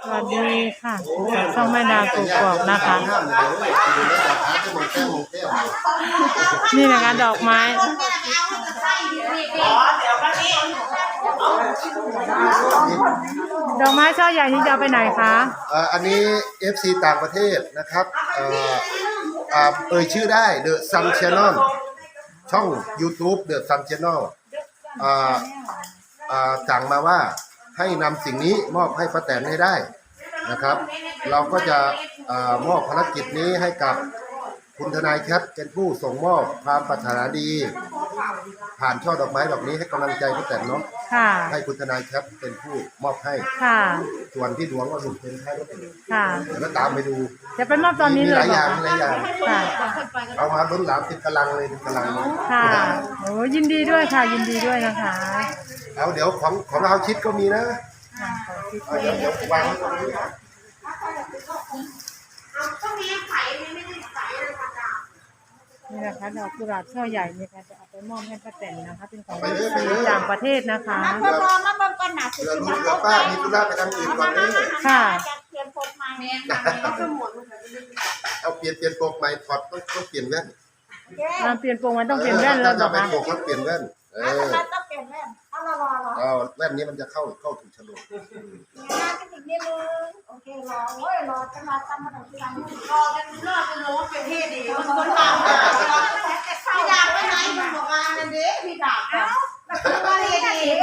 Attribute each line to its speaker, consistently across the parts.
Speaker 1: สวัสดีค่ะช่องแม่ดาวกกอกนะคะ นี่นะคะดอกไม้ดอกไม้ช่อใหญ่ที่จะเอาไปไหนคะ
Speaker 2: อันนี้ FC ต่างประเทศนะครับชื่อได้ The Sun Channel ช่อง YouTube The Sun Channel สั่งมาว่าให้นำสิ่งนี้มอบให้ป้าแตนให้ได้นะครับเราก็จะมอบภารกิจนี้ให้กับคุณทนายแคทเป็นผู้ส่งมอบความปรารถนาดีผ่านช่อดอกไม้ดอกนี้ให้กำลังใจป้าแตนเนาะให้คุณทนายแคทเป็นผู้มอบให้ส่วนที่หลวงก็ถูกเป็นให้ก็เป็นแล้วตามไปดู
Speaker 1: จะไปมอบตอนนี้เลย
Speaker 2: หลายอย่างเอามาล้นหลามติดกำลังเลยติดกำลัง
Speaker 1: ค่ะโอ้ยินดีด้วยค่ะยินดีด้วยนะคะ
Speaker 2: เอาเดี๋ยวของเราชิดก็มีนะเดี๋ยววางตรงนี้
Speaker 1: นี่นะคะดอกกุหลาบช่อใหญ่นี่ค่ะจะเอาไปมอบให้ป้าแตนนะคะเป็นของต่างประเทศนะคะ
Speaker 2: เรือลูกเรือป้ามีธุระไปทำอื่นก่อนเลย
Speaker 1: ค่ะ
Speaker 2: เอาเปลี่ยนโปกใหม่ถอดต้องเปลี่ยนแว่น
Speaker 1: เปลี่ยนโปกมันต้องเปลี่ยนแว่นแล้ว
Speaker 2: จะไปโปกแล้วเปลี่ยนแว่น
Speaker 3: ต้องเปลี่ยนแว่น
Speaker 2: แว่นนี้มันจะเข้าถูกฉลก
Speaker 3: โอเครอจะมาทำมาถึงที่ร้านรอกันรอกันรู้ว่าเป็นเทศดีมันคนต่างพี่ดาบไปไหนมันบอกว่านั่นเด้พี่ดาบว่าเทศดี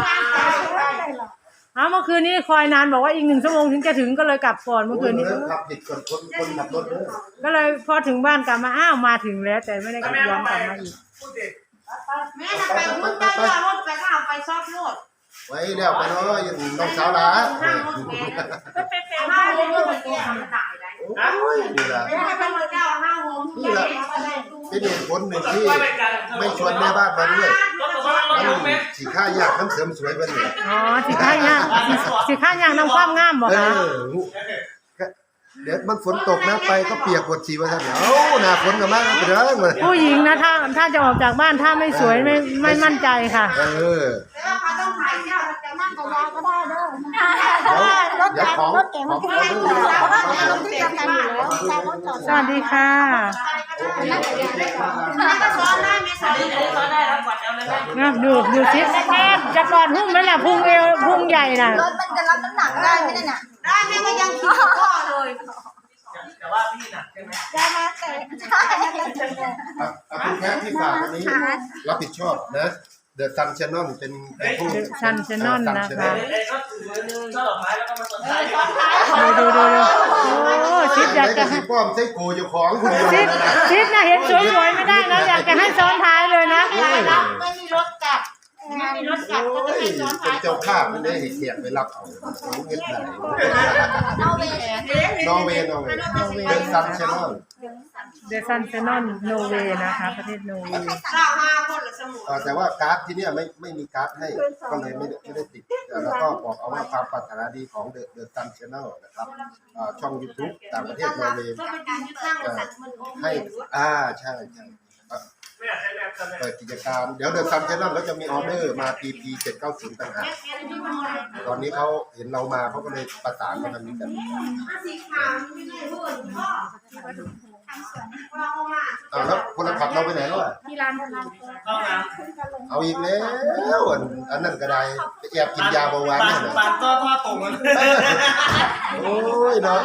Speaker 1: เมื่อคืนนี้คอยนานบอกว่าอีก1 ชั่วโมงถึงจะถึงก็เลยกลับก่อนเมื่อคืนนี้
Speaker 2: ขับผิดคนขับรถเลย
Speaker 1: ก็เลยพอถึงบ้านกลับมามาถึงแล้วแต่ไม่ได้กลับย้อนกลับมาอีก
Speaker 3: แม่ไปมุดได้ยารถไปก็เอาไปซอกรถ
Speaker 2: ไว้เดี๋ยวไปเนาะยังน้องสาวหลาน
Speaker 3: ห้าโมงก็แก่ตายได้
Speaker 2: นี่แหละ
Speaker 3: นี่แหละ
Speaker 2: เป็นเหตุผลหนึ่งที่ไม่ชวนแม่บ้านมาด้วยสีข้ายากน้ำเสริมสวยเป็นเลย
Speaker 1: สีข้ายากน้ำความงามบอกคะ
Speaker 2: เดี๋ยวมันฝนตกนะไปก็เปียกหมดชีวะท่านหน้าฝนกันมากไปเด้อ
Speaker 1: ผู้หญิงนะถ้าจะออกจากบ้านถ้าไม่สวยไม่มั่นใจค่ะ
Speaker 3: ต้องถ่ายเที่ยวจะนั่งกับเราก็ได้เด้อรถเก๋งมันขึ้นได้เพราะว่าเราที่จะกันอยู่แล้ว
Speaker 1: สวัสดีค่ะดูซิจะก่อนพุ่งไหมล่ะพุ่งเอวพุ่งใหญ่น่ะ
Speaker 3: รถมันจะรับน้ำหนักได้ไหมเนี่ยได้แม่ก็ยังขี่ข้อเลย
Speaker 4: แต่ว่าพี่หนักใช่ไหม
Speaker 3: ได้มาแต่ใช่
Speaker 2: คุณแค่ที่ฝากวันนี้รับผิดชอบนะเดอะซันชานอนเป็นผู้
Speaker 1: ซันชานอนนะคะ
Speaker 4: ก็ถือช่อดอกไม้แล้วก็มาต้นท้าย
Speaker 1: ดูโอ้ชิดอยากจะ
Speaker 2: ให้ป้อมใส่โกอยู่ของคุณ
Speaker 1: ชิดนะเห็นสวยๆไม่ได้นะอยากจะให้ซ้อนท้ายเลยนะ
Speaker 3: ไม่มีรถกลับมีรถกลับก็จะให้ซ้อนท้าย
Speaker 2: เป็นเจ้าภาพไม่ได้เขียนไปรับเอาเงินไหนนอร์เวย์เดอะซันชานอน
Speaker 1: เดอะซันชานอนโนเวย์นะคะประเทศโนเวย์
Speaker 2: แต่ว่าการ์ดที่นี่ไม่มีการ์ดให้ก็เลยไม่ได้ติดแล้วก็บอกเอาว่าความปรารถนาดีของเดอะซันชานอลนะครับช่อง YouTube ต่างประเทศโนเวย์ให้ใช่เปิดกิจการเดี๋ยวเดอะซันชานอลเขาจะมีออเดอร์มา PP 790ต่างหากตอนนี้เขาเห็นเรามาเขาก็เลยประสานมาทางนี้กันแล้วคนขับเราไปไหนแล้ว
Speaker 3: ที่ร้าน
Speaker 2: เอาอีกแล้วอันนั้นก็ได้ไปแอบกินยาเบาหวาน
Speaker 4: เนี่ยปานก็ทอดตรงมัน
Speaker 2: โอ้ยเนาะ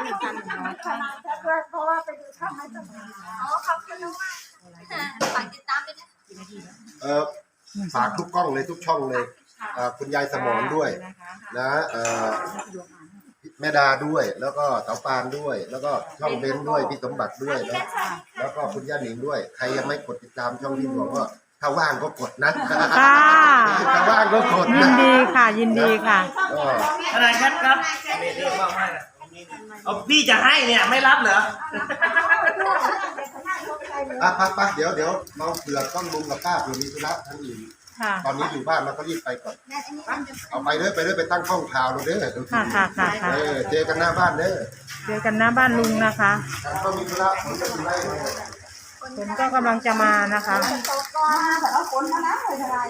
Speaker 3: เพราะว่าไปดูช่องให้สมัยขอบคุณมากฝากติดตามด้วยนะ
Speaker 2: ฝากทุกกล้องเลยทุกช่องเลยคุณยายสมรด้วยนะแม่ดาด้วยแล้วก็เต๋าปานด้วยแล้วก็ช่องเบนด้วยพี่สมบัติด้วยแล้วก็คุณย่าหนิงด้วยใครยังไม่กดติดตามช่องที่บอกว่าถ้าว่างก็กดนะถ้าว่างก็กด
Speaker 1: ยินดีค่ะยินดีค่ะ
Speaker 4: ทนายแคทครับเรื่องมากเลยเอาพี่จะให้เนี่ยไม่รับเหรอ
Speaker 2: ไปเดี๋ยวเราเผื่อต้องลุงกับป้าเผื่อมีธุระทั้งอื่นตอนนี้อยู่บ้านเราก็รีบไปก่อนเอาไปเลยไปตั้งห้องข่าวเราเด้อ
Speaker 1: ค่ะ
Speaker 2: เจอกันหน้าบ้านเด้อ
Speaker 1: เจอกันหน้าบ้านลุงนะคะ
Speaker 2: ก็มีธุระผมจะดูได้
Speaker 1: ผมก็กำลังจะมานะคะ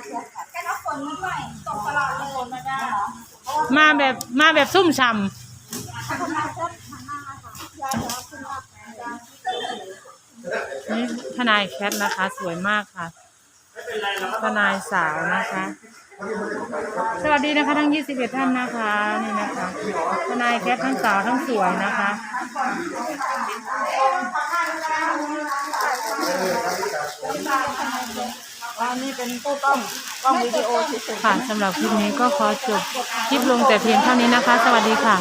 Speaker 1: มาแบบซุ่มฉ่นี่ทนายแคทนะคะ สวยมากค่ะ
Speaker 4: ไม่เป็นไรเราก็
Speaker 1: ทนายสาวนะคะ สวัสดีนะคะทั้ง21ท่านนะคะนี่นะคะทนายแคททั้งสาวทั้งสวยนะคะ
Speaker 3: อันนี้เป็นตู้กล้องวิดีโอเฉยๆ
Speaker 1: ค่ะสำหรับคลิปนี้ก็ขอจบคลิปลงแต่เพียงเท่านี้นะคะ สวัสดีค่ะ